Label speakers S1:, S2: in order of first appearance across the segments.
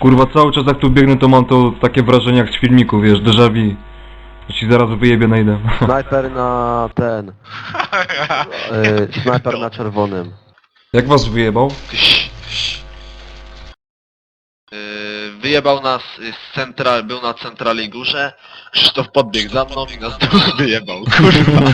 S1: Kurwa, cały czas jak tu biegnę, to mam to takie wrażenie jak z filmiku, wiesz, déjà vu. Że ci zaraz wyjebie najdę.
S2: Snajper na ten... snajper na czerwonym.
S1: Jak was wyjebał?
S3: Wyjebał nas z central, był na centrali górze, Krzysztof podbiegł za mną i nas wyjebał, kurwa.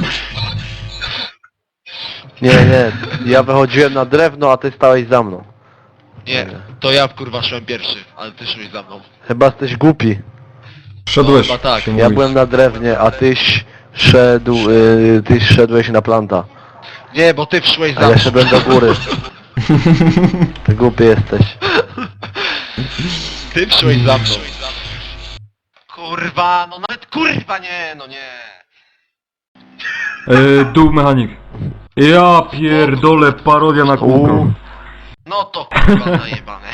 S2: Nie, ja wychodziłem na drewno, a ty stałeś za mną.
S3: Nie, to ja kurwa szłem pierwszy, ale ty szłeś za mną.
S2: Chyba jesteś głupi.
S1: Szedłeś.
S3: No, chyba tak.
S1: się
S2: Ja
S1: mówisz.
S2: byłem na drewnie, a tyś szedł... tyś szedłeś na planta.
S3: Nie, bo ty wszłeś
S2: A
S3: za
S2: ja
S3: mną.
S2: szedłem do góry. Ty głupi jesteś.
S3: Ty wszłeś za mną. Kurwa, no nawet kurwa nie, no nie.
S1: Dół mechanik. Ja pierdolę, parodia na kółko.
S3: No to kurwa zajebane.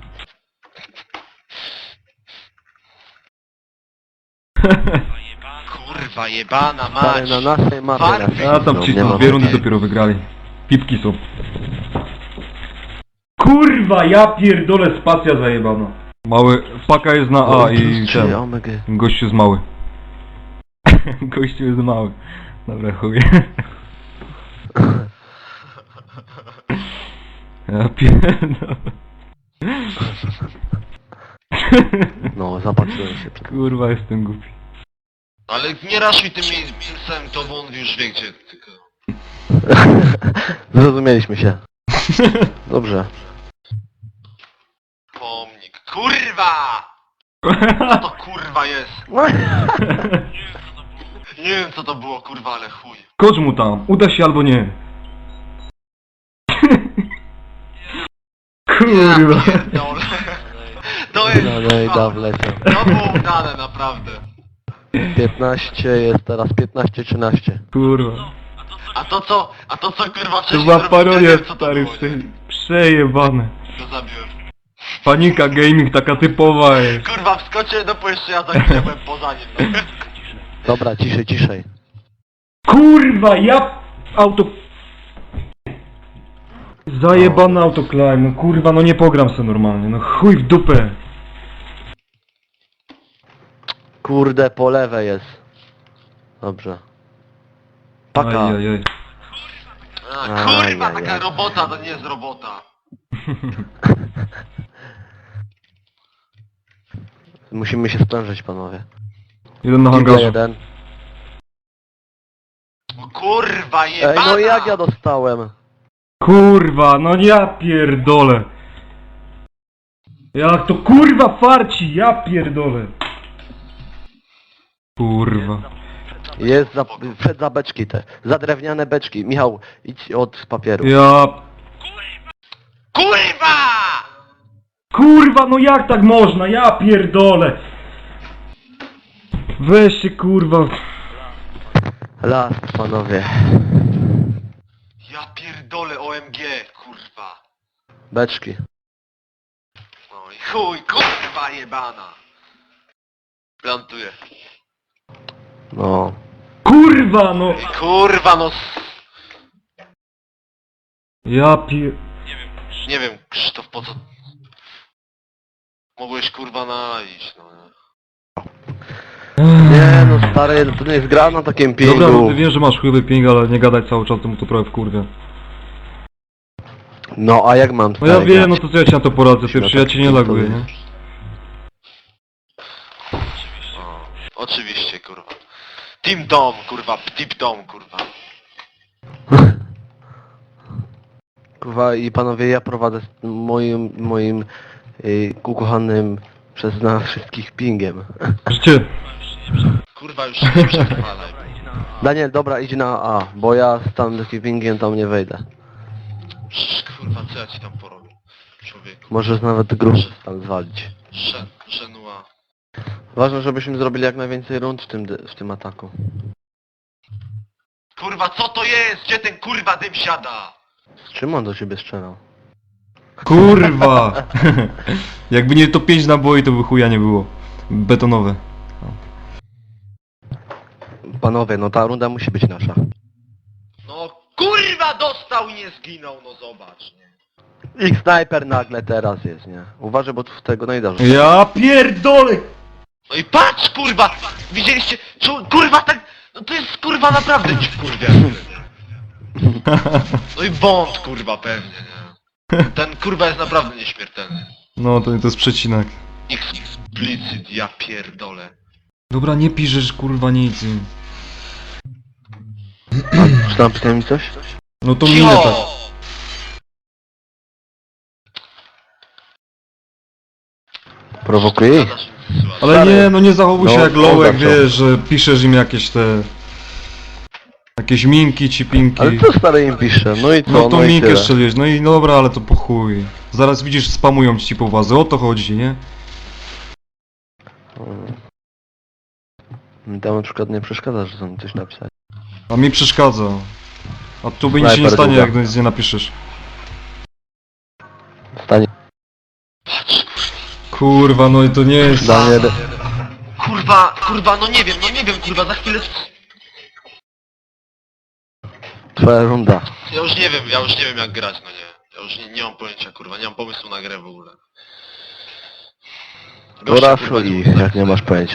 S3: Kurwa jebana
S2: Stary,
S3: mać.
S2: na naszej mapie
S3: Farby.
S1: A tam ci
S2: nie ma
S1: dwie rundy
S2: takiej.
S1: dopiero wygrali. Pipki są. Kurwa, ja pierdolę, spacja zajebana. Mały, paka jest na A i ten.
S2: Omega.
S1: Gościu jest mały. Gościu jest mały. Dobra, chuj. Ja pierdolę.
S2: No, zapatrzyłem się.
S1: Kurwa, jestem głupi.
S3: Ale nie raszuj tym miejscem, to bo on już wie gdzie tylko.
S2: Zrozumieliśmy się. Dobrze.
S3: Pomnik. Kurwa! Co to kurwa jest? Nie wiem co to było kurwa, ale chuj.
S1: Kocz mu tam, uda się albo nie. Kurwa.
S3: Ja pierdolę. To jest
S2: No i da
S3: kurwa.
S2: wleciał.
S3: To było udane naprawdę.
S2: 15 jest teraz 15-13.
S1: Kurwa.
S3: A to co kurwa
S1: To
S3: wcześniej
S1: była
S3: zrobiłem,
S1: parodia,
S3: nie wiem, co to
S1: stary,
S3: było, nie?
S1: przejebane.
S3: To zabiłem.
S1: Panika gaming taka typowa jest.
S3: Kurwa wskoczyłem do jeszcze ja za chwilę byłem poza nim. No.
S2: Dobra, ciszej.
S1: Kurwa, ja... Auto... Zajebane autoclimb, no kurwa, no nie pogram se normalnie, no chuj w dupę.
S2: Kurde, po lewej jest. Dobrze. Paka.
S1: Ajajaj.
S3: A, kurwa
S2: Ajajaj.
S3: taka robota to nie jest robota.
S2: Musimy się sprężyć, panowie.
S1: Jeden na
S2: Kilka
S1: hangarze.
S2: jeden.
S3: O kurwa
S2: Ej,
S3: jebana!
S2: no jak ja dostałem?
S1: Kurwa, no ja pierdolę. Jak to kurwa farci, ja pierdolę. Kurwa.
S2: Jest za, przed za beczki te. Za drewniane beczki. Michał, idź od papieru.
S1: Ja...
S3: Kurwa!
S1: Kurwa, no jak tak można, ja pierdolę. Weź się kurwa.
S2: Las, panowie.
S3: Ja pierdolę OMG, kurwa.
S2: Beczki.
S3: No i chuj, kurwa jebana. Plantuję.
S2: No.
S1: Kurwa, no.
S3: I kurwa no...
S1: Ja pier...
S3: Nie wiem, Krzysztof, po co... Mogłeś kurwa iść, no nie?
S2: Nie no stary, to nie jest gra na takim pingu.
S1: Dobra, no ty wiem, że masz chujowy ping, ale nie gadać cały czas, to mu to prawie wkurwia.
S2: No a jak mam
S1: No ja
S2: stary
S1: wiem,
S2: grać?
S1: no to co ja ci na to poradzę,
S2: Musimy
S1: pierwszy, ja
S2: tak
S1: cię nie
S2: pingu
S1: laguję, nie?
S2: powiedzieć.
S3: O, oczywiście, kurwa. Team Dom, kurwa, Tip Dom, kurwa.
S2: Kurwa i panowie, ja prowadzę z moim ukochanym przez nas wszystkich pingiem.
S1: Życie.
S3: Kurwa, już się nie przechwalaj.
S2: Daniel, dobra, idź na A, bo ja z tam takim pingiem tam nie wejdę.
S3: Kurwa, co ja ci tam porobię? Człowieku.
S2: Możesz nawet gruszy tam zwalić.
S3: Żenua.
S2: Ważne, żebyśmy zrobili jak najwięcej rund w tym ataku.
S3: Kurwa, co to jest? Gdzie ten kurwa dym siada?
S2: Z czym on do ciebie strzelał?
S1: Kurwa! Jakby nie to 5 naboi, to by chuja nie było. Betonowe.
S2: Panowie, no ta runda musi być nasza.
S3: No kurwa dostał i nie zginął, no zobacz, nie?
S2: Ich snajper nagle teraz jest, nie? Uważaj, bo tu w tego najda rzuca.
S1: Ja pierdolę!
S3: No i patrz, kurwa! Widzieliście? Kurwa, tak... No to jest, kurwa, naprawdę ci kurwa. No i błąd, kurwa, pewnie, nie? Ten, kurwa, jest naprawdę nieśmiertelny.
S1: No to jest przecinak.
S3: Explicit, ja pierdolę.
S1: Dobra, nie piszesz kurwa nic.
S2: Czy tam pytałem mi coś?
S1: No to minę tak.
S2: Prowokuje ich?
S3: Zgadzasz mi z sytuacją.
S1: Ale nie, no nie zachowuj się
S2: No,
S1: jak Lołek,
S2: zaczął.
S1: wiesz, że piszesz im jakieś te... Jakieś minki ci pinki.
S2: Ale co stary im pisze? No i co?
S1: No to
S2: i
S1: minkę
S2: tyle.
S1: strzeliłeś, no i dobra, ale to po chuj. Zaraz widzisz, spamują ci po wazę, o to chodzi, nie?
S2: Mi tam na przykład nie przeszkadza, że są coś napisać.
S1: A mi przeszkadza. A tu by nic się nie
S2: Snajper
S1: stanie,
S2: długa.
S1: jak nic nie napiszesz.
S2: Stanie.
S3: Patrz, kurwa.
S1: Kurwa, no i to nie jest...
S2: Daniel...
S3: Kurwa, no nie wiem, kurwa, za chwilę...
S2: Twoja runda.
S3: Ja już nie wiem jak grać, no nie. Ja już nie mam pojęcia, kurwa, nie mam pomysłu na grę w ogóle. Gościa, kurwa,
S2: Poraszuj ich,
S3: mógł
S2: jak nie masz pojęcia.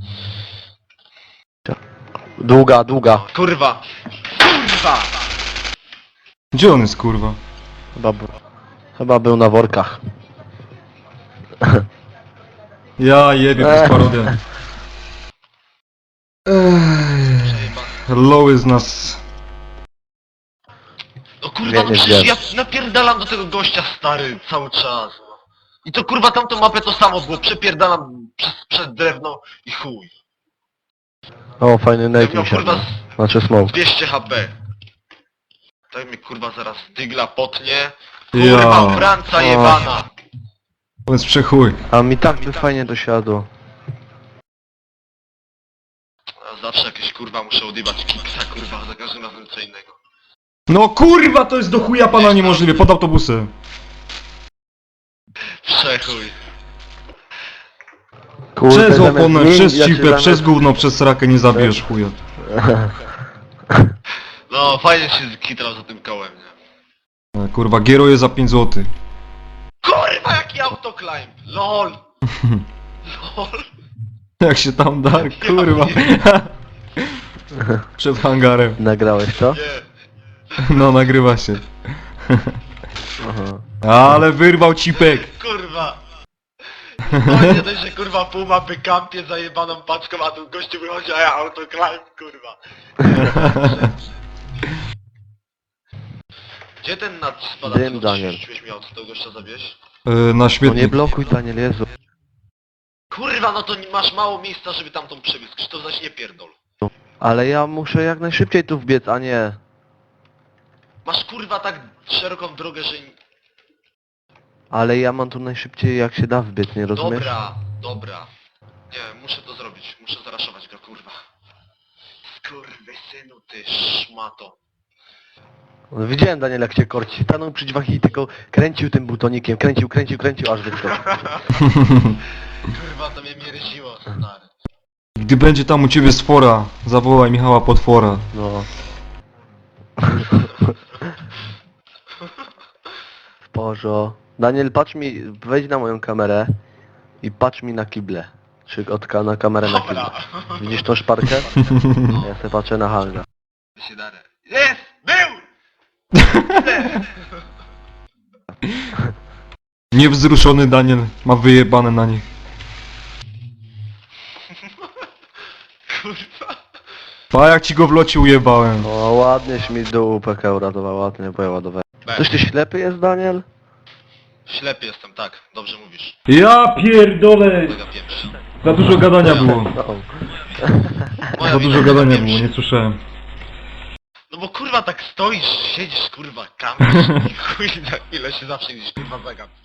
S2: Długa, długa.
S3: Kurwa! Kurwa!
S1: Gdzie on jest, kurwa?
S2: Chyba był na workach.
S1: Ja jebie, to jest parodia. Loły z nas...
S3: No kurwa,
S2: Nie,
S3: no
S2: nie
S3: przecież
S2: wiem.
S3: ja napierdalam do tego gościa, stary, cały czas. No. I to kurwa tamtą mapę to samo było, przepierdalam przez drewno i chuj.
S2: O, fajny
S3: Ja
S2: nate
S3: miał
S2: mi się.
S3: kurwa
S2: Znaczy smoke.
S3: 200 HP. Tak mnie kurwa zaraz dygla potnie. Kurwa,
S1: Ja.
S3: Franca
S2: O.
S3: jebana.
S1: To jest przechuj.
S2: A mi tak by fajnie dosiadło.
S3: Ja zawsze jakieś kurwa muszę odjebać kiksa, kurwa, za każdym razem co innego.
S1: No kurwa, to jest do chuja pana niemożliwe, pod autobusem.
S3: Przechuj.
S2: Kurde,
S1: Przez
S2: zamiast
S1: oponę,
S2: nim,
S1: przez
S2: ja cię
S1: cipę,
S2: zamiast-
S1: przez gówno, przez srakę nie zabijesz chuja.
S3: No, fajnie się kitrał za tym kołem, nie?
S1: Kurwa, gieruje za 5 zł.
S3: Kurwa, jaki autoclimb! LOL! LOL!
S1: Jak się tam da, kurwa. Przed hangarem.
S2: Nagrałeś to?
S3: Nie,
S1: No, nagrywa się.
S2: Aha.
S1: Ale wyrwał cipek.
S3: kurwa! No nie dość, że kurwa pół mapy kampie zajebaną paczką, a tu gościu wychodzi, a ja autoclimb, kurwa. Gdzie ten nad spadacem?
S2: Dym, Daniel.
S3: Miał co tego gościa zawieźć?
S1: Na
S2: No nie
S1: śmietnik.
S2: blokuj, Daniel, Jezu.
S3: Kurwa, no to masz mało miejsca, żeby tamtą przebiec. Krzysztof, zaś nie pierdol.
S2: Ale ja muszę jak najszybciej tu wbiec, a nie...
S3: Masz kurwa tak szeroką drogę, że...
S2: Ale ja mam tu najszybciej jak się da wbiec, nie rozumiesz?
S3: Dobra. Nie, muszę to zrobić. Muszę zaraszować go, kurwa. Skurwysynu, ty szmato.
S2: No, widziałem, Daniel, jak cię korci. Stanął przy drzwiach i tylko kręcił tym butonikiem. Kręcił, aż wyskoczył.
S3: Kurwa, to mnie mieryziło, stary.
S1: Gdy będzie tam u ciebie sfora, zawołaj Michała Potwora.
S2: No. Bożo. Daniel, patrz mi, wejdź na moją kamerę i patrz mi na kible. Czy na kamerę na kible.
S3: Dobra.
S2: Widzisz tą szparkę? Ja sobie patrzę na hangar.
S3: Się darę. Jest! Był!
S1: Niewzruszony Daniel ma wyjebane na nich.
S3: Kurwa.
S1: A jak ci go w locie ujebałem.
S2: O, ładnieś mi dół PK uratował, ładnie, bo ja ładowałem. Coś ty ślepy jest, Daniel?
S3: Ślepy jestem, tak. Dobrze mówisz.
S1: Ja pierdolę!
S3: Mega pieprzy.
S1: Za dużo gadania było.
S2: No.
S3: Moja
S1: Za
S3: wina,
S1: dużo
S3: mega
S1: gadania
S3: pieprzy.
S1: było, nie słyszałem.
S3: No bo kurwa tak stoisz, siedzisz kurwa, kampisz i chuj na chwilę się zawsze gdzieś kurwa zagap.